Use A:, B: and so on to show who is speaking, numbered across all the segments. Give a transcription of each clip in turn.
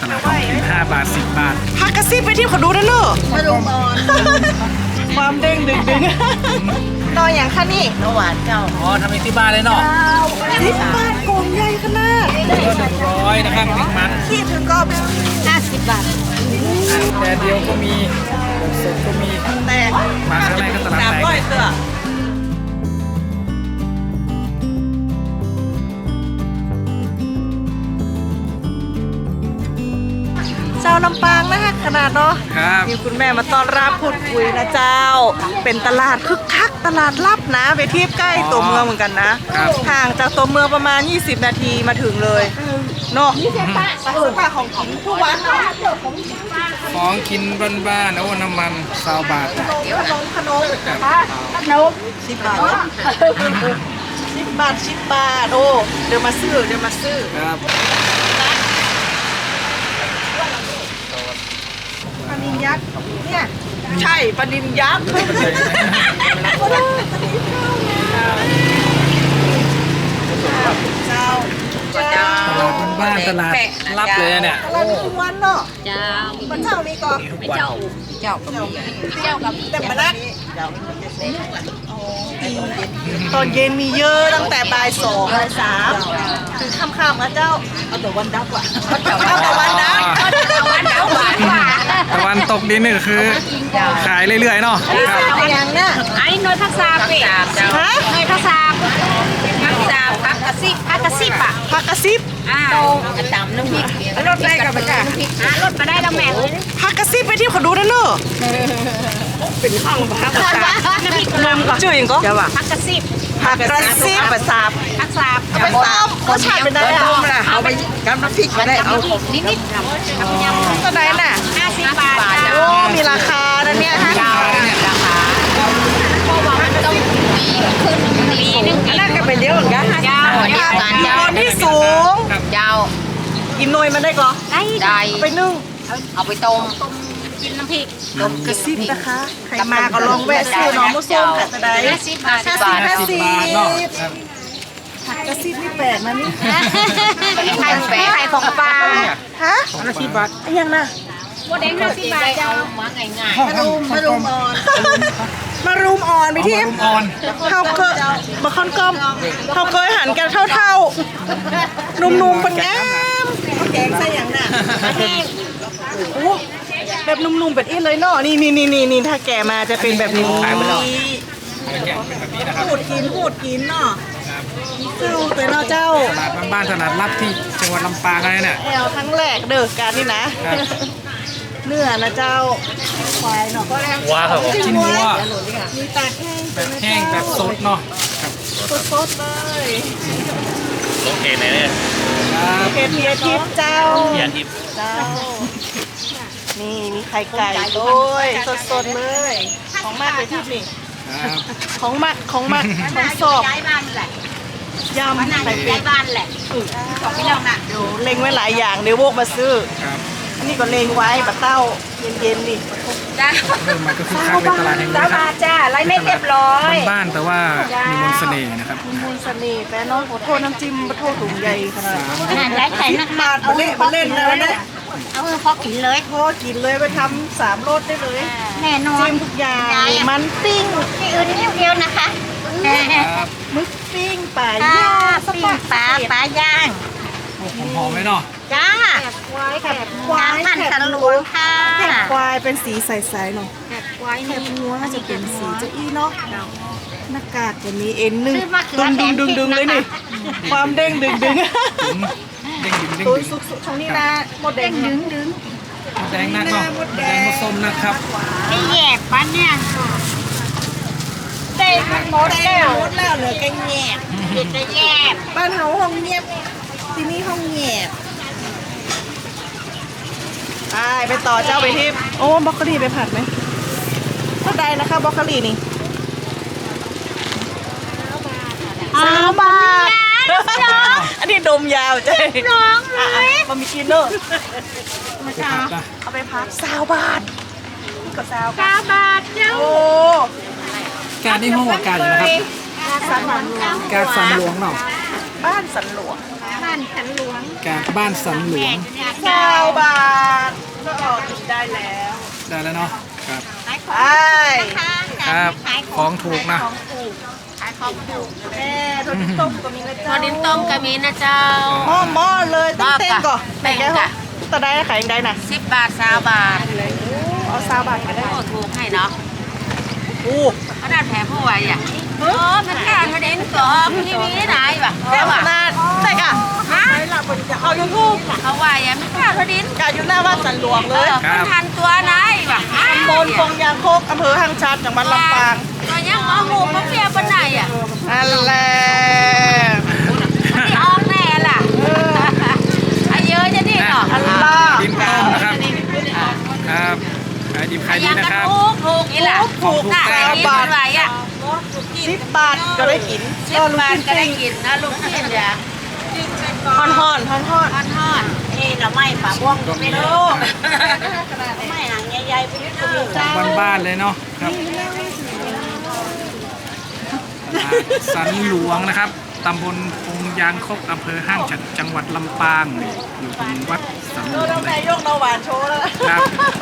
A: นาดท้องถิ่น5 บาท 10 บาท
B: พักกระซิบไปที่เขาดูนะเนอะมาดูมอนความเด้งดึงนอนอย่างค่ะนี่นหวานเจ้า
A: อ๋อทำเองที่บ้านเลยเนาะ
B: 10 บาทกลมใหญ่ขนาด
A: ก็100นะครับหนึ่งมัน
B: ที่ถึงก็50 บาท
A: แต่เดียวก็มีสดก็มี
B: แต่
A: มาครั้งแรกก็ตลาดแตก
B: เจ้าลำปางนะคะขนาดเนาะ
A: ครับ
B: มีคุณแม่มาต้อนรับพูดคุยนะเจ้าเป็นตลาดคึกคักตลาดลับนะไปเทียบใกล้ตัวเมืองเหมือนกันนะห่างจากตัวเมืองประมาณ20 นาทีมาถึงเลยเนาะป้าของทุกวันเนาะ
A: ของกินบ้านๆโอ้น้ำมัน20 บาท
B: ขนม10 บาท10 บาทโอ้เดี๋ยวมาซื้อ
A: ครับ
B: ปลานิลยักษ์เนี่ยใช่ปลานิลยักษ์เจ้า
A: ตลาดบ้านๆตลาดลับเลยเนี่ย
B: ตลาดทุกวันเนาะ
C: เจ้า
B: วันเช้ามีก่อน
C: เจ้ากับ
B: แต่มาได้ตอนเย็นมีเยอะตั้งแต่บ่าย 2 บ่าย 3ถึงค่ำๆนะเจ้าเอาแต่วันดับว่ะเอาแต่วันดับ
A: ตะวันตกดินนี่ก็คือขายเรื่อยๆเนาะครับ
B: อย่างเนี้ย
C: ไอ้น้อยทักษะเป็ดน้อยทักษะพักกระซิบอ่ะ
B: ผักกระซิบ
C: ตรงกระตำน้ำพริกรถได้กับมันจ้ะรถมาได้แล้วแม่
B: ผักกระซิบไปที่เขาดูนะเนอะเป็นข้างผักกระซิบน้ำพริกนมก่อนชื่ออย่างก็
C: พักกระซิบ
B: ผักกระซิบไปซับ
C: พักซาบ
B: ไปซับรสชาติเป็นไงอ่ะ
C: เอาไปกำน้ำพริกมาได้เอานิด
B: ๆตัวไหนน่ะ
C: 50 บาท
B: โอ้มีราคานะเนี่ย
C: ราคาเพราะว่ามันต้องปีนึง
B: น่าจะเป็นเยอะเหมือนกัน
C: เจ้า
B: คนที่สูง
C: เจ้า
B: กินหน่วยมันได้ก่อ
C: ได้
B: ไปนึ่ง
C: เอาไปต้มกินน้ำพริก
B: กระซิบนะคะใครมาก็ลองแวะซื้อน้องมุส้มค่ะจะได้
C: 50 บาท
A: เนาะ
B: กระซิบนี่แปลกนะนี่
C: ไข่ของปลา
B: ฮะ
A: 50 บาท
B: ยังน่ะ
C: โมเดล50 บาทเจ้ามาง่าย
B: ๆมารุมอ่อนไปที่เขาเคยมาค่อนก้อมเขาเคยหันกันเท่าๆนุ่มๆเป็นงามแกงใส่อย่างน่ะโอ้แบบนุ่มๆแบบนี้เลยเนาะนี่ถ้าแกมาจะเป็นแบบนี้พูดกินเนาะเข้าแต่เนาะเจ้า
A: ตลาดบ้านๆตลาดลับที่จังหวัดลำปางอะไรเนี่ย
B: แอลทั้งแรกเด้อการนี่นะเนื้อนะเจ้าควายเนาะ
A: ว้าครับชิ้นวัว
B: มีตากแห้ง
A: แบบแห้งแบบสดเนาะ
B: สดเลย
A: โอเคไหนเนี่ย
B: เกลียทิพย์เจ้าเจ้านี่มีไข่ไก่ด้วยสดเลยของมากเลยทิพย์นี่ของมักของสอบยำ
C: ใส่เป็ดบ้านแหละของพี่น้องน่ะ
B: ดูเล็งไว้หลายอย่างเดี๋ยวโวกมาซื้ออันนี้ก็เล็งไว้ปะเต้าเย็นๆนี่
C: จ้า
A: มันก็คือข้าวในตลาดแห่งนี้ครับ
C: จ้าไรไม่เรียบร้อย
A: บ้านแต่ว่ามีมนต์เสน่ห์นะครับ
B: มีมนต์เสน่ห์แต่น้องขอโทษน้ำจิ้มขอโทษถุงใหญ่ขนาด
C: ไรไข่นัก
B: มาเอาเล่นนะวันนี้
C: เอาพอกินเลย
B: ไปทำ3 รสได้เลย
C: แน่นอน
B: จิ้มทุกอย่างมันปิ้ง
C: ที่อื่นนิดเดียวนะคะ
B: มึกปิ้งปลาย่าง
C: ปิ้งปลาย่าง
A: หอมไหมเนาะ
C: จ้า
B: ควาย
C: มันสันหลวงค่ะ
B: แกะควายเป็นสีใสๆเนาะ
C: ควายนี่
B: หัวจะเป็นสีเจ้าอี้เนาะหน้ากากตัวนี้เอ็นนึงดึงเลยนี่ความเด้งดึงตัวสุกช่องนี้นะหมดแดง
C: ดึง
A: หมดแดงนักเนาะหมดแดงผสมนะครับ
C: ไอ้แยบปั้นเนี่ยเต็มหมดแล้ว
B: เหลือแกงแยบ
C: แยบ
B: บ้านเขาห้องเงียบที่นี่ห้องแยบไปต่อเจ้าไปที่โอ้บล็อกโคลี่ไปผัดไหมเท่าใดนะคะบล็อกโคลี่นี่3 บาทอันนี้ดมยาวใจ
C: น้องเลย
B: มันมีกินเนอะเอาไปพัก20 บาทนี่ก็
C: 9 บาทเจ้า
B: โอ้
A: การที่ห้องอากาศอยู่นะครับการสันหลวงเนาะ
B: บ้านสันหลวง
C: บ้านสันหลวง
A: การบ้านสันหลวง
B: 20 บาท
A: แล้วเนาะครับ
C: ขายข
B: ไอ
C: องข้างๆ
A: ครับ
C: ขาย
A: ของถูกนะ
C: ของถูกขายของถูก
B: แม่ทอดต้มก็มีนะ
C: ท
B: เจ้า
C: อดดินต้มก็มีนะเจ้า
B: หม้อเลยเต้นๆก่อน
C: เต้นๆ
B: แม่แกตะได้ขายยังไงน่ะ
C: 10 บาท20 บาท
B: เอา20 บาทก็ได้
C: โอ้ถูกให้เนาะ
B: อู้
C: ขนาดแถมผู้ไว้อ่ะมันการมาเด่นกอบทีวีไหนวะ
B: แม่ขนาดใช่ค่ะ
C: ฮะ
B: เอายูทูบ
C: เขาว่าอ่ะมันการมาเด่น
B: กาอยู่หน้าวัดสันหลวงเลย
C: มันทันตัวไหนวะ
B: ตำบลปงยางโคกอำเภอหางชัดจังหวัดลำปาง
C: ตัวยังมอหมูมะเฟียบนไหนอ่ะ
B: อันแหละ
C: ที่ออกแน่ล่ะอาเยอะจะนี่เนาะ
B: อันล่า
A: ดินต้มนะครับครับขายดิบขายดี
C: ยัง
A: นะ
C: กัน
A: ครับ
C: ถูกอีหล่ะ
B: ถูก
C: น่ะ
B: 9
C: บา
B: บา
C: ท
B: ท
C: ไหวอ่ะ
B: 10 บาทก็ได้กิน
C: 10 บาทก็ได้กินนะลูกชิ้นเนี่ย
B: ฮอนฮอนฮอนฮอน
C: ทอดนี่เราไม่ปลาบ้วงไม่รู้ไม่หางใหญ่ๆไปนิดนึง
A: บ้านๆเลยเนาะครับตลาดสันหลวงนะครับตำบลปงยางคกอำเภอห้างฉัดจังหวัดลำปางนี่อยู่ตรงวัดสันหลวง
B: ต้อง
A: เล
B: นาย ยกนหวานโชว์แล้ว
A: ครับ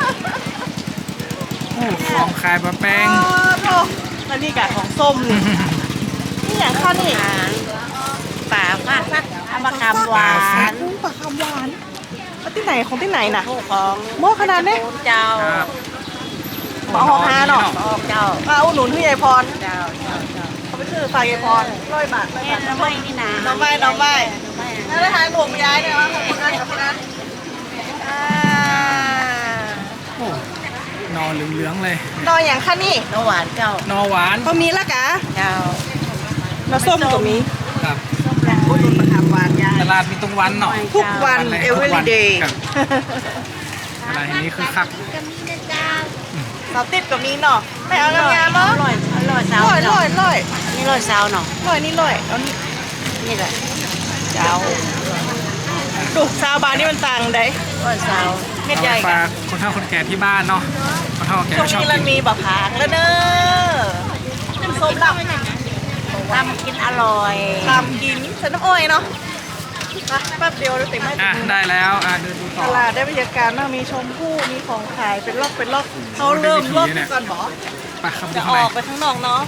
A: โอ้ของขายปลาแป้ง
B: โอ้แล้วนี่กะของส้มนี่นี่อย่างข้าวนี่
C: ป่าฟาดฟักเอามากำหวาน
B: ปลาคำหวานแล้วที่ไหนของที่ไหนน่ะ
C: ผู้ของ
B: หม้อขนาดนี้
C: เจ้า
A: ครับ
B: ปลาหอฮาเนาะ
C: ออกเจ้า
B: มาอุดหนุนพี่ยายพร
C: เจ้าเจ้าเจ้า
B: เขาไปซื้อฝากยายพร100 บาท
C: แม่น้ำไม่นี่นะ
B: น้องไม้นั่นได้ทายหลวงย้ายเนี่ยวะขอบคุณนะขอบคุณนะอ่า
A: โอ้นอเหลืองๆเลย
B: นออย่างข้านี่
C: น้ำหวานเจ้าน
A: อหวาน
B: ก็มีละกะ
C: เจ้าน
B: อส้มก็มี
A: ครับ
B: อุดหนุนมะขามหวานยาย
A: ตลาดมีตรงวันเนาะ
B: ทุกวัน
A: เลย
B: every
A: ทุกวัน
B: day
A: ครับตลาดแห่งนี้คือคัก
B: สาวติดก็มีเนาะไม่เอางามๆเนาะ
C: อร่อยสาว
B: ร้อย
C: นี่อร่อยสาวเนาะ
B: นี่ร้อยเอานี่
C: นี่แหละเจ้า
B: ดูซาวบานนี่มันต่างใด
C: อร่อยสาว
B: เม็ด
A: เอา
B: ให
A: ไป
B: ญ่
A: ฝากคนเฒ่าคนแก่ที่บ้านเนาะคนเฒ่าคนแก่
B: ช่วง
A: ก็ชอบ
B: นี้
A: กิ
B: มัน
A: น
B: มีบะพางแล้วเนอะส้มดำ
C: ทำกินอร่อย
B: ตำกินใส่น้ำอ้อยเนาะไปแป๊บเดียวเราติดไม่
A: อ่ะได้แล้วเดินดูต่
B: ต
A: อ
B: ลาดได้บรรยากาศมากมีชมพู่มีของขายเป็นล็อกเขาเริ่มล็อกก่อนบอ
A: ไปครับ
B: จะ
A: ดู
B: อ
A: ข้างใน
B: อกไปข้างนอกเนาะ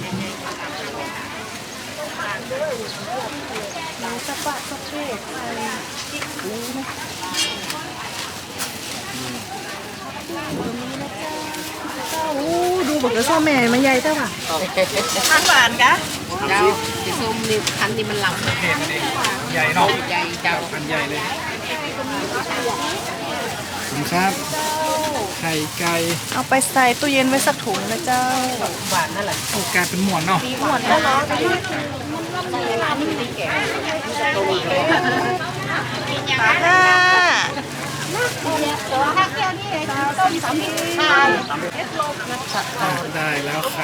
B: มีสปะสเปกอะไรกิ๊กกูนะดูบอกเลยส้มแม่มาใหญ่เจ้าค่ะทานหวานกะ
C: เจ้าสีส้มนี่คันนี้มันลำ
A: เห็ดนี่ใหญ่เนาะ
C: ใหญ่เจ้า
A: อันใหญ่เลยขอบคุณครับไข่ไก่
B: เอาไปใส่ตู้เย็นไว้สักถุงนะเจ้า
C: หวานนั่นแหละ
A: โอ้กลายเป็นหมวนเนาะ
B: หมดแล้วเนาะห้า
A: ได้แล้วไข่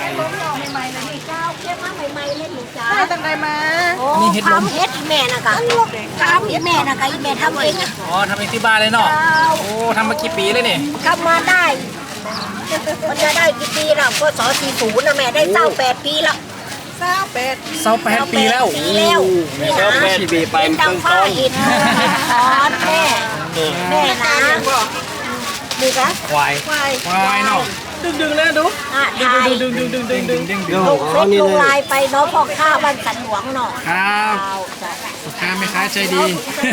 B: ได้ตั้งใดมา
A: อันนี้เห็ดลม
C: ทำเฮ็ดแม่นะกะทำอีแม่นะกะอีแม่ทำเองอะ
A: อ๋อทำเองที่บ้านเลยเนาะโอ้ทำมากี่ปีเลยนี่
C: ทำมาได้ มันจะได้กี่ปีแล้วก็40นะแม่ได้28ปีแล้ว
B: 28
A: 28 ปีแล้ว
C: ปีแล้ว
A: ชีบีไป
C: เป็นดังฟ้าอินทอนแม่แม่นะดูกะ
A: ควาย
B: ควาย
A: ควายเนาะ
B: ดึงเลยดู
C: อ่ะถ่าย
B: ดึง
A: ดึงดึง
C: ลงเฟซลงไลน์ไปเนาะพ่อข้าบ้านสันหลวงเนาะ
A: ครับลูกค้าไม่ค้าใจดี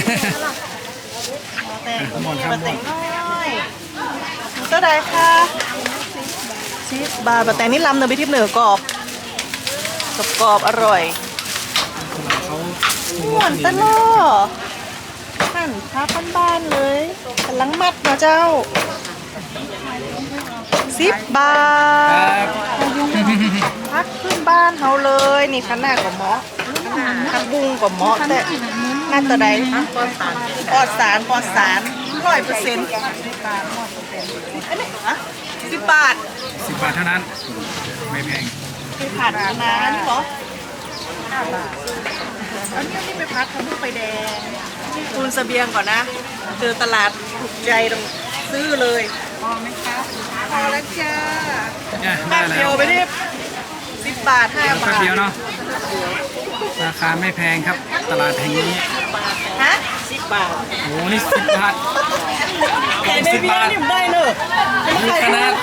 A: หมดครับหมด
B: ก็ได้ค่ะ10 บาทแต่นี่ลำเนยไปทิพย์เหนือกรอบกรอบอร่อย
A: เขา
B: หวานตลอดหั่นพับบ้านๆเลยกำลังมัดนะเจ้า10 บา
A: ค
B: ท
A: รับ
B: พักขึ้นบ้านเฮาเลยนี่ขนาดกับหมอทักบุงกับหมอแต่งานตัวใดปลอดสาร100%อันนี้ฮะ10 บาท
A: 10 บาทเท่านั้น ไม่แพง
B: ไปผัดนะนี่เหรออันนี้ไปพัดทำลูกไฟแดงคูณเสบียงก่อนนะเจอตลาดถูกใจต้องซื้อเลยพอไหมคะพอแล้วจ้า
A: เนี่ย
B: แป๊
A: ได้
B: บ
A: แล้
B: เดียว
A: ว
B: ไปดิ10 บาท5
A: แป๊
B: บา
A: บ
B: ท
A: เดียวเนาะราคาไม่แพงครับ ตลาดแห่งนี้
B: ฮะ10 บาท
A: โอ้นี่10 บาท
B: แต่ในเบียร์นี่มันได้เนอะ
A: ขนาด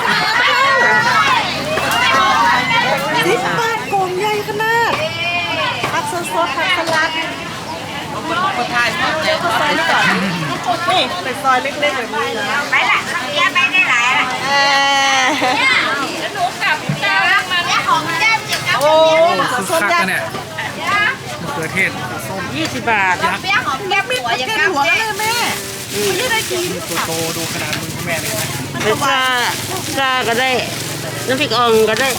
B: 10 บาทกล่องใหญ่ขนาดผักสดๆผักสลัดนี่เป็นซอยเล็กๆแบบนี้นะ
C: ไปละเดี๋ยวไปได้หลายละแล้วหนูกลับเจ้ามาเนี่ยของเจ้าจิกกับ
B: โอ้
A: คึก
B: สด
A: คัก
B: ๆยั
A: กั
B: ง
A: นเนี่ยมะเขือเทศส้ม
B: 20 บาท
C: เปี้ยหอมแก้มหัวอย่าง
B: แก
C: กั
B: ง
C: บ
B: หัวแล้วเลยแม่ไม่ได้กิน
A: ตัวโตดูขนาดมือคุณแม่เลยนะ
D: เป็นซาก็ได้น้ำพริกอ่องก็ได้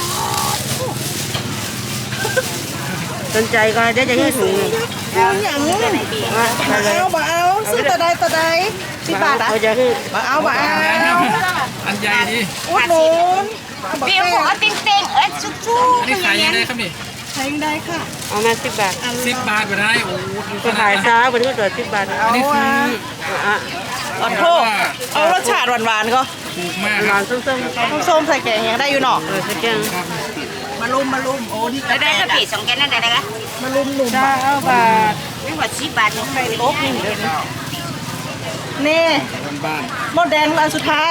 D: สนใจก็ได้จะให้ถุงหนึ่ง
B: เอาอย่างนี้
D: ว่าอะไร
B: เอาบ่เอาซื้อตะใด10 บาทอ่ะ
D: เขาจะให้
B: บ่เอาบ่เอา
A: อันใหญ่ดี
B: อุดหนุน
C: เปี้ยหัวเต็งๆชุบ
A: อันนี้ขายยังไงครับนี่
B: ใช้ได้ค่ะ
D: เอามา10 บาท
A: 10 บาทไปได้โอ้โหดูข
D: ก็
A: นา
D: ขา
A: ด
D: ย
A: นะ
D: ช้าวันนี้ก็เกิด10 บาท
A: อันนี้คือ
D: อ่ะ
B: ขอโทษเอารสชาติหวานๆก็
A: ถูกมากค
D: ห
A: รั
D: วา
A: บ
D: นส้ม
B: ส้มใส่แกงยังได้อยู่เนาะ
D: ๆสักแกง
B: มาลุมโอ้นี่
C: ๆได้กะปิ2แกนนั่นได้ละ
B: มาลุมหนุ่ม
D: 9 บาท
C: ไม่ว่า10 บาทนี่
B: โต๊ะนี่นี่
A: บ้าน
B: หมดแดงอันสุดท้าย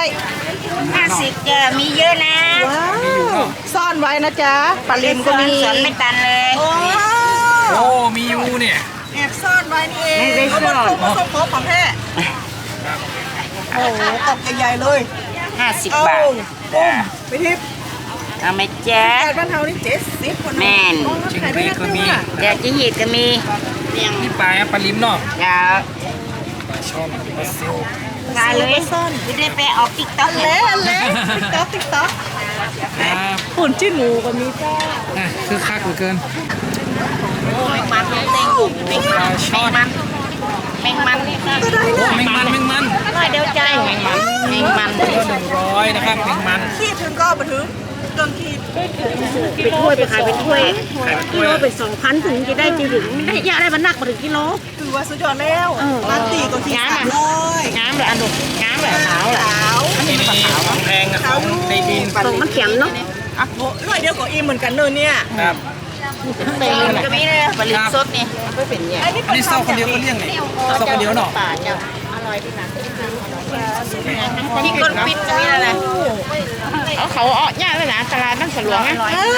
C: 50จะมีเยอะนะ
B: ว้าวซ่อนไว้นะจ๊ะปลาลิมก็มี
C: สอนไม่ตันเลย
B: โอ้
A: ๆโอ้มียูเนี่ย
B: แอบซ่อนไว้นี่เองไม่ได้ซ่อนผสมของแท้โอ้โหกล่องใหญ่ๆเลย
C: 50
B: เอา
C: บาท
B: ไปทิพย์
C: เอาไหมแจ๊ค
B: แปดบ้านเฮานี่70คน
C: แม่น
A: ชิงเบรกก็มี
C: เดี๋ยวจะหีดก็มี
A: นี่ปลาปลาลิ้มเนาะ
C: เดี๋ยว
A: ปลาช่อนปลาซิล
C: มาเลยไม่ได้ไปออกติ๊กต็อก
B: เละติ๊กต๊อก
A: ครับ
B: ปุ่นจิ้นหมูก็มีจ้า
A: คือคักเหลือเกิน
C: มันเต็ง
A: ปลาช่อน
C: แมงมันนี่ค่ะ
B: ก็ได้
A: โอ้
B: นะ
A: แมงมัน
C: ร้อยเดียวใจแมงมัน
A: ก็100นะครับแมงมัน
B: ขีดถึงก็มาถึงเกินขีด
D: เป็นถ้วยไปขายเป็นถ้วย
A: ไข่
D: กิโลเป็น2,000ถึงจะได้จริงๆได้ยาได้มันหนักมาถึงกิโล
B: ถือว่าสุดยอดแล้วร้านตีก็ขีด
D: งามอ่ะ
B: 300
D: งามเลยอันดุงามเลยขาวเลย
B: ขาว
A: นี่ของแพงกับของในดิน
D: ส่งมันเข็มเนาะ
B: อ่ะโหร้อยเดียวก็อิ่มเหมือนกันเนอะเนี่ย
A: ครับ
D: เต็มเลย
C: ก็มีเลยผลิตสดนี่
D: ไม่เป็นเนี่ย
B: อันนี้
A: อันนี้เศร้าคนเดียวก็เลี้ยงนี่เศร้าคนเดียวเนาะ
D: ป่าเจ้าอร่อยที่ไหน
C: ที่คนปิดก็มีอะไร
D: เขาเอาเนี่ยเลยนะตลาดนั่งสลวงนะ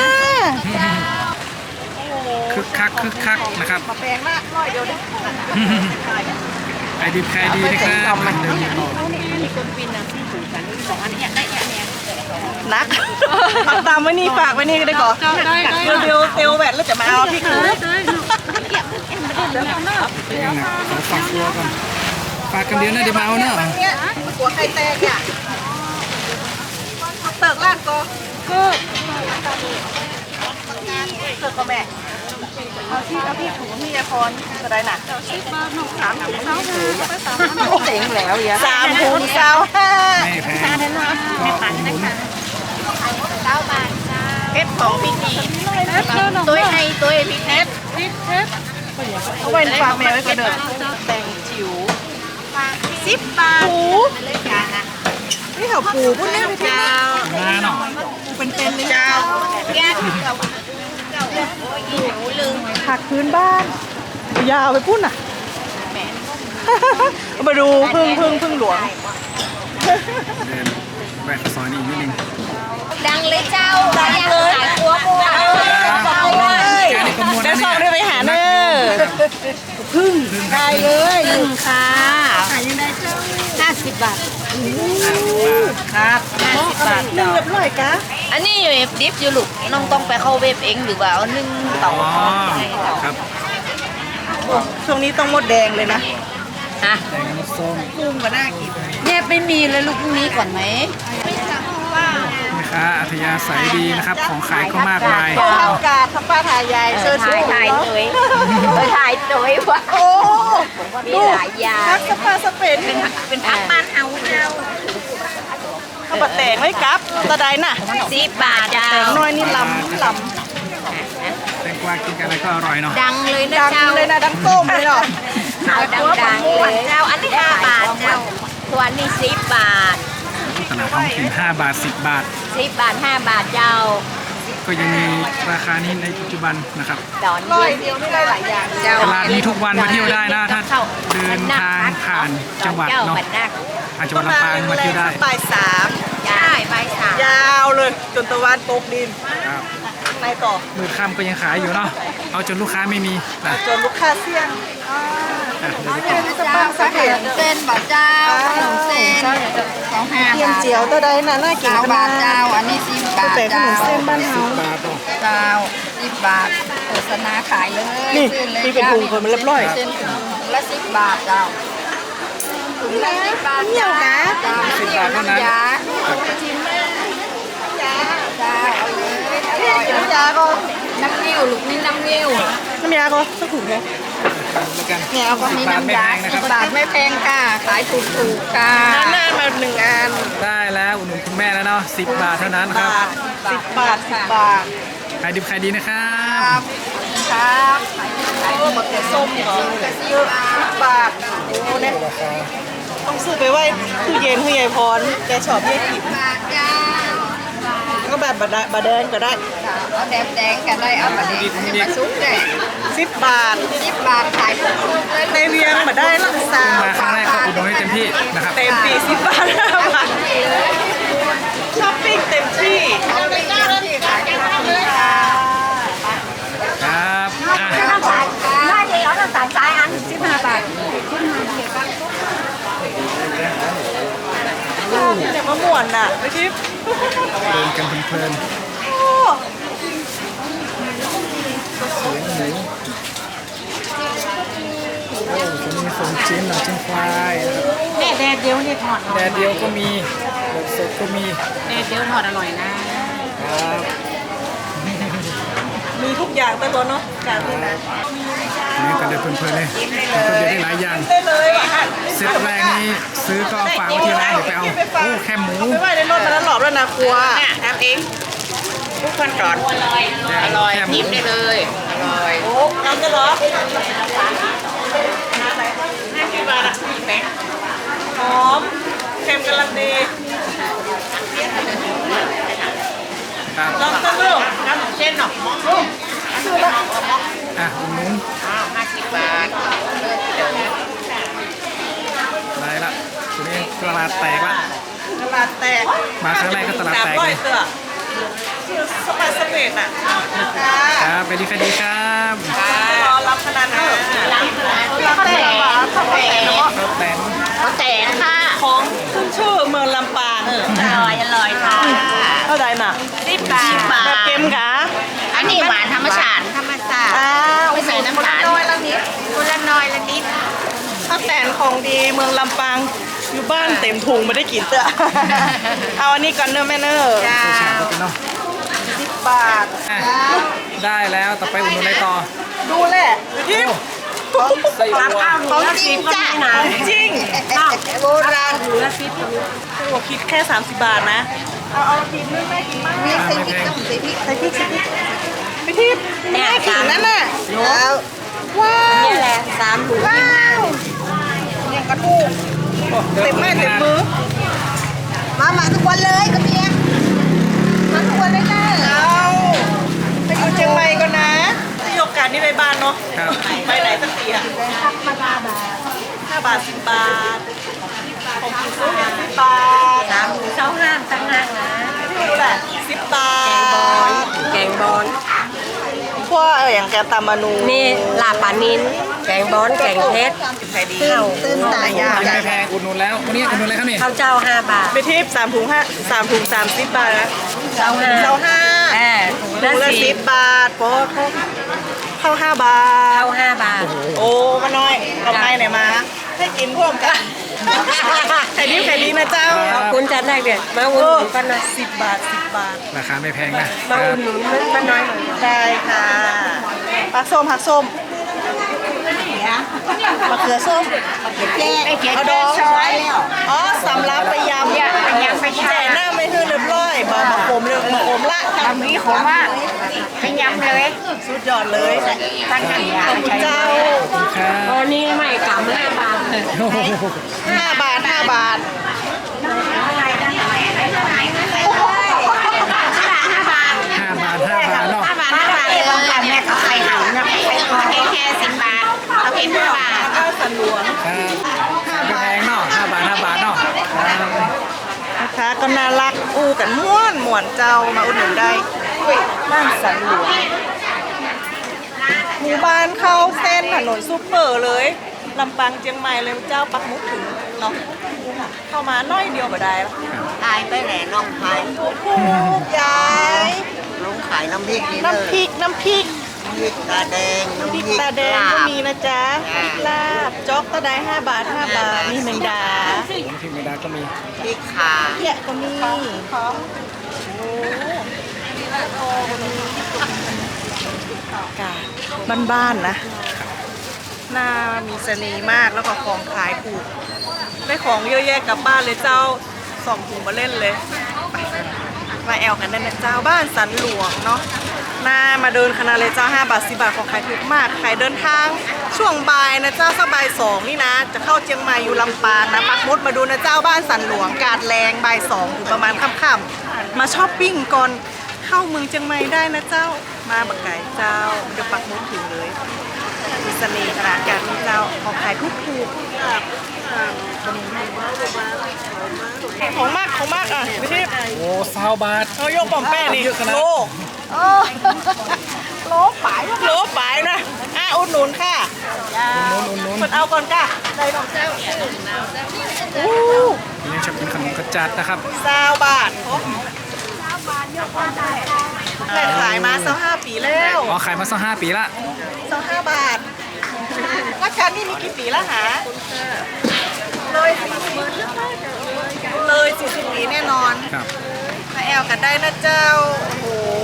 A: คึกคักนะครับ
B: มาแปลงละร้อยเดียวได้
A: ขายดีขายดีนะครับเดินต่อ
B: นักฝากตามไว้นี่ฝากไว้นี่ก็ได้ก่อนเดี๋ยวเตียวแหวนแล้วจะมาเอาพี่คือ
A: เป็นยังไงขอฝากตัวก่อนฝากกันเดียวนะเดี๋ยวมาเอาเนาะ
B: เนี่ยหัวไข่แตกอ่ะเติกลาดก็เติกก็แม่เอาพี่ถุงพี่ยาพรจะได้หนัก3 ถุงเจ๋งแล้วอย่า3 ถุง25
A: ไม่แพงก็อุดหนุน
C: เพชรของพี่นี่ตัวไอ้ตัวพี่เพชร
B: เอาไว้ฝากแม่ไว้ก่อนเด้อแต่งจิ๋ว
C: 10 บาท
B: ปูนี่เขาปูพุ่นแน่ไปที่
A: มาเนาะ
B: ปูเป็นๆเลย
C: เจ้า
B: จ้า
C: แก้วโอ้ยหิวลืม
B: ผักพื้นบ้านยาวไปพุ่นอ่ะเอามาดูพึ่งหลวง
A: เดินแวะข้าวซอยนี่อีกนิดนึง
C: ดังเลยเจ้าดังเลยหัวบัว
A: แกนี่ขโมย
B: จะ
A: นะ
B: ส่
A: เนี่
B: ง
A: ย
B: ได้ไปหาเนอพึ่งได้เลย
C: ค่ะ
B: ขายยังไงเจ้า
C: 50 บาท
B: ครับ
C: 50 บาท
B: นึ่งเรียบร้อยกะ
C: อันนี้อยู่ดิฟอยู่ลูกน้องต้องไปเข้าเว็บเองหรือว่าเอานึ่งเตา
A: อ๋อครับ
B: ช่วงนี้ต้องหมดแดงเลยนะ
C: ฮะ
A: แดงน้ำส้ม
B: กุ้งก็น่ากิน
C: เนี่ยไม่มีเลยลูกพรุ่งนี้ก่อนไหม
A: แม่ค้าอัธยาศัยดีนะครับ ของขายก็มากมาย
B: ข้าวกาดทับป้าทายายเสื้อสูง
C: ถ่ายตัวถ่ายตัววะ
B: โอ้
C: มีหลายอย่าง
B: ทักสปาสเปน
C: เป็นพักบ้านเฮาเจ้า
B: ข้าวบะแตงไว้กับตะไดน่ะ
C: 10 บาทเจ้า
B: แตงน้อยนี่ลำ
A: แตงกวากินกันอะไรก็อร่อยเนาะ
C: ดังเลยนะ
B: ดัง
C: เจ้า
B: เลยนะดังต้มเลยเนาะ
C: เอาดังๆเลยเจ้าอันนี้5 บาทเจ้าตัวนี้10 บาท
A: ตลาดท้องถิ่น5 บาท 10 บาท
C: 10 บาท 5 บาทเจ้า
A: ก็ยังมีราคานี้ในปัจจุบันนะครับ
C: ดอน
B: ร้อย
C: เดี
B: เดี
C: ย
B: ยว วนี่ได้หลายอย่าง
C: เจ้า
A: ตลาดนี้ทุกวันมาเที่ยวได้นะถ้าเดินทางผ่านจังหวัดเนาะ
C: บัดนัก
A: ผ่านจังหวัดลำปางมาเที่ยวได้
B: บ่าย 3
C: ใช่
B: ยาวเลยจนตะวันตกดิน
A: ครับ
B: ไปต่อ
A: มืดค่ำก็ยังขายอยู่เนาะเอาจนลูกค้าไม่มีนะ
B: จนลูกค้าเสี่ยง
A: อ่ะเดี๋ยวจะต่อ
B: สปาสาเหตุ
C: เส้นบาทเจ้าขนมเส้น25
B: เทียม
C: บาท
B: เจียวตัวใดน่ะน่ากิน
C: เจ้า
B: ข
C: บา
B: นา
C: ท
B: ด
C: เจ้าอันนี้10 บาท
B: แต่ขน
C: เจ้าม
B: เส้นบ้านเฮา
A: บาทต่อ
C: เจ้า10 บาทโฆษณาขายเลย
B: นี่
C: ซื้อลย
B: นี่เป็นถุงคนมันเรียบร้อย
C: เส้นถุงละ10 บาทเจ้าถุงละ10 บาท
B: เหนียวนะ
C: เจ้า
A: 10 บาทเท่านั้น
C: ยาเจ้าเอาเลยอร่อย
B: น้ำยาก็
C: น้ำนิ้วลูกนี่น้ำนิ้ว
B: น้ำยาก็สักถุงแค่
A: แล้วกัน
B: เนี่ยเอาก็
A: 10
C: นี่
A: บาทไม่
C: น้ำ
A: แพ
C: ยาง
A: นะครับ
C: 10 บาทไม่แพงค่ะ ขายถูกๆค่ะ
B: หน้ามา1 อัน
A: ได้แล้วอุดหนุนคุณแม่แล้วเนาะ10 บาทเท่านั้นครับ
B: 10 บาท10 บาท
A: ขายดิบขายดีนะครั
C: ครับ บครับขาย
B: โอ้มะเขือส้มเหรอ10 บาทโอ้เนี่ยต้องซื้อไปไว้ตู้เย็นให้ยายพรแกชอบยายกิน
C: บาทเจ้า
B: ก็แบบบะแดงก็ได้
C: เอาแดงแดงกันได้เอามาแดงมาซุปได้
B: 10 บาท
C: 10 บาทขายถูกๆเลย
B: ในเวียงมาได้ละสาว
A: มาครั้งแรกก็อุดหนุนให้เต็มที่นะครับ
B: เต็มที่10 บาท5 บาทช้อปปิ้งเต็มที่
C: เอาไปย่างที่ขายถูกๆค่ะ
A: ครับอ่ะ
C: ถ้าเดี๋ยวเราสั่งสายอัน15 บาท
B: เนี่ยมะม่วนน่ะไปทิพย์
A: เดินกันเพลิน
B: โอ้
A: ๆเสียงหมูโอ้จะมีส่งชิ้นหนังชิ้นควายนะครับ
D: แม่แดดเดียวนี่ทอด
A: แดดเดียวก็มีแบบสดก็มี
D: แดดเดียวทอดอร่อยนะ
A: ครับ
B: มีทุกอย่างแต่ตัวเนาะการที่นะ
A: นี่กันเดินเพลินๆเลยก็เดี๋ยวได้หลายอย่าง
B: ได้เลย
A: เซตแรกนี้ซื้อก็เอาฝากไว้ที่ร้านเดี๋ยวไปเอาโอ้แค่หมู
B: ไม่ไหวในรถมาแล้วหลอบแล้วนะครัวทำเองทุกคนก่อน
A: อร่อยแค่หมู
B: โอ้ทำกันเหรอ50 บาทอ่ะหอมเค็มกำลังดี
A: ครับ
B: ลองตั้งลูกน้ำเส้นหน่อยซื้อละ
A: อ่ะอุดหนุน
C: 50 บาท
A: ได้ละทีนี้ตลาดแตกละ
B: ตลาดแตก
A: มาครั้งแรกก็ตลาดแตกเลย
B: 300 เตื้อชื่อสปาสเปดอ่ะ
A: ครับไปดีคดีครับ
B: รอรับขนาดนั้นรับแต่บาทข้าวแตนเนาะ
A: ข้าวแตน
C: เขาแตกค่ะ
B: ของขึ้นชื่อเมืองลำปาง
C: อร่อยค่ะ
B: เท่าไหร่น่ะ
C: 10 บาท
B: แบบเกมกะ
C: อันนี้หวานธรรมชาติ ไม่ใส่น้ำตาลน้อยละนิดคนละน้อยละนิด
B: ข้าวแตนของดีเมืองลำปางอยู่บ้านเต็มถุงไม่ได้กินเตื้อ เอาอันนี้ก่อนเนอะแม่เนอะ
A: ผู้ชายก็เป็นเนาะ
B: 10 บาท
A: อ่ะได้แล้วต่อไปอุดหนุนอะไรต่อ
B: ดูแหละยิ้ม
A: ไส้อั่ว
B: ของจริงจ้ะของจริง
C: โบราณ
B: หัวคิดแค่ 30 บาทนะ เอากินนึงแม่กินมาก
C: มีใส่พริกต้องใส่พริก
B: ใส่พริกไปที่แม่ขิงนั่นน่ะ
C: แล้ว
B: ว้าว
C: นี่แหละ3 ถุง
B: ว้าวเนี่ยกระทูกเต็มแม่เต็มมือ
C: มาทุกวันเลยกระเบียงมาทุกวันเลยค่ะ
B: เอาไปอยู่เชียงใหม่ก่อนนะที่โอกาสนี้ไปบ้านเนาะ
A: ครับ
B: ไปไหนสักทีอ่ะ5 บาท 10 บาทผมกินซุป10 บาท
C: 3 ถุง25ตั้งหากนะ
B: ดูแหละ10 บาท
D: แกงบอล
B: พวกอย่างแกงตามานู
D: นี่ลาบปลานินแกงบอลแกงเพชร
B: ใครดี
C: ตื่นตายยาก
A: กินไม่แพงอุดหนุนแล้ววันนี้อุดหนุนอะไรครับนี่
D: ข้าวเจ้า5 บาท
B: ไปทิป3 ถุง3 ถุง 30 บาทนะ
D: เจ้า
B: เจ้า
D: 5
B: 5
D: เออ
B: ถุงละ
D: 10
B: 10 บาทโป๊ะเข้า5 บาท
D: ข้าว5 บาท
B: โอ้มาน้อยเอาไปไหนมา ให้กินร่วมกันไข่ดีนะเจ้า
D: ขอบคุณจัดได้เด็ดมาอุ่นหนุนป้าน้อย
B: 10 บาท 10 บาท
A: ราคาไม่แพงนะค
D: มา
A: รั
D: อุ่
A: บ
D: นหนุนป้าน้อยหน่อย
B: ได้ค่ะผักส้มมะเขือส้ม เอาดอง
C: ช้อยแล้ว
B: อ๋อสำรับไปยำ
C: ไปยำไปแช่
B: แต่หน้าไม่คือเรียบร้อยมาขมเลยมาขมละ
C: ทำนี้ผมว่าไปยำเลย
B: สุดยอดเลย
C: ตั้งกันยา
B: ขอบคุณเจ้า
A: ครับ
D: ตอนนี้ไม่กำ5 บาทเลย
A: โอ้โห
B: 5 บาท 5 บาท
C: 5 บาท
A: 5 บาทเนาะ
C: 5 บาทเลยบางกันแม่ก็ใส่หันนะแค่10 บาทเอาเป็น5 บาท
B: ก็สนวน
A: ครับไม่แพงเนาะ5 บาท 5 บาทเนาะครับ
B: แพค้าก็น่ารักอู้กันม่วนม่วนเจ้ามาอุดหนุนได้บ้านสันหลวงหมู่บ้านเข้าเส้นถนนซูเปอร์เลยลำปางเชียงใหม่เลยเจ้าปักหมุดถึงเนาะเข้ามาน้อยเดียวบ่ได้แล้ว
C: ตายไปแหล่น้องขาย
B: ถูกยาย
C: ลงขายน้ำพริกนี่เลย
B: น้ำพริกน้ำพริก
C: น้ำพริกตาแดง
B: น้ำพริก
C: น้ำพริก
B: ตาแดงก็
C: ลาบ
B: มีนะจ๊ะลาบจ๊อกตาได้5 บาท5 บาทมีแมงดา
A: ผมที่ไม่ได้ก็มี
C: พริกขา
B: เกี้ยก็มีกาบ้านๆนะหน้ามีเสน่ห์มากแล้วก็ของขายถูกได้ของเยอะแยะกลับบ้านเลยเจ้า2 ถุงมาเล่นเลยมาแอลกันได้นะเจ้าบ้านสันหลวงเนาะหน้ามาเดินคณะเลยเจ้า5 บาท10 บาทของขายถูกมากขายเดินทางช่วงบ่ายนะเจ้าสักบ่าย2นี่นะจะเข้าเชียงใหม่อยู่ลำปางนะปักหมุดมาดูนะเจ้าบ้านสันหลวงกาดแรงบ่าย2ถึงประมาณค่ำๆมาช้อปปิ้งก่อนเข้าเมืองเชียงใหม่ได้นะเจ้ามาบักไก่เจ้าเดี๋ยวปักหมุดถึงเลยมีเสน่ห์ขนาดการมีเจ้าของขายถูกของมากอ่ะไม่ใช่
A: โอ้20 บาท
B: เอายกปอมแป้นี่
A: เยอะขนาด
B: โลโลปลายนะอุดหนุนค่ะ
A: นุ่น
B: มันเอาก่อนค่ะได้ของเจ้าอู้
A: นี่จะเป็นขนมกระจัดนะครับ
B: 20 บาทแต่ขายมา25 ปีแล้ว
A: อ๋อขายมาสัก5 ปีละ
B: 25 บาทว่าฉันนี่มีกี่ปีแล้วหาเลย40 ปีแน่นอน
A: ครับ
B: มาแอลกันได้นะเจ้า โอ้โห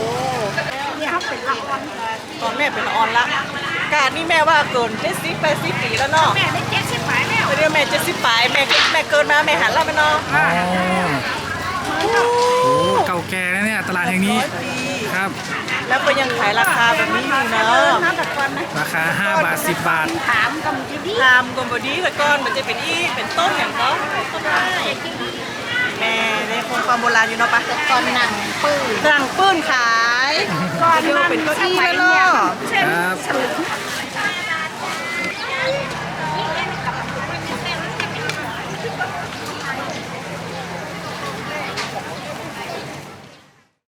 B: ตอนแม่เป็นละออนละการนี่แม่ว่าเกิน70-80 ปีแล้วเนาะ
C: แม่ได้70 บาทแล้ว
B: เดี๋ยวแม่70 ปลายแม่เกินมาแม่หันแล้วไหมเนาะ
A: อ๋อโอ้เก่าแก่นะเนี่ยตลาดแห่งนี้
B: 100 ปี
A: ครับ
B: แล้วก็ยังขายราคาแบบนี้อยู่เนาะ
A: ราคา5 บาท 10 บาท
C: ถามกำจีดี
B: ทำกลมบอดี้แต่ก่อนมันจะเป็นเป็นต้นอย่างเนาะก็ได้แม่ได้คงความโบราณอยู่เนาะปะ
C: ตอนหนังปื้อ
B: หลังปื้นขาย
C: ก่อน
B: เดี๋ยวเป็นเก้าอี้แล้วเนาะ
A: ครับ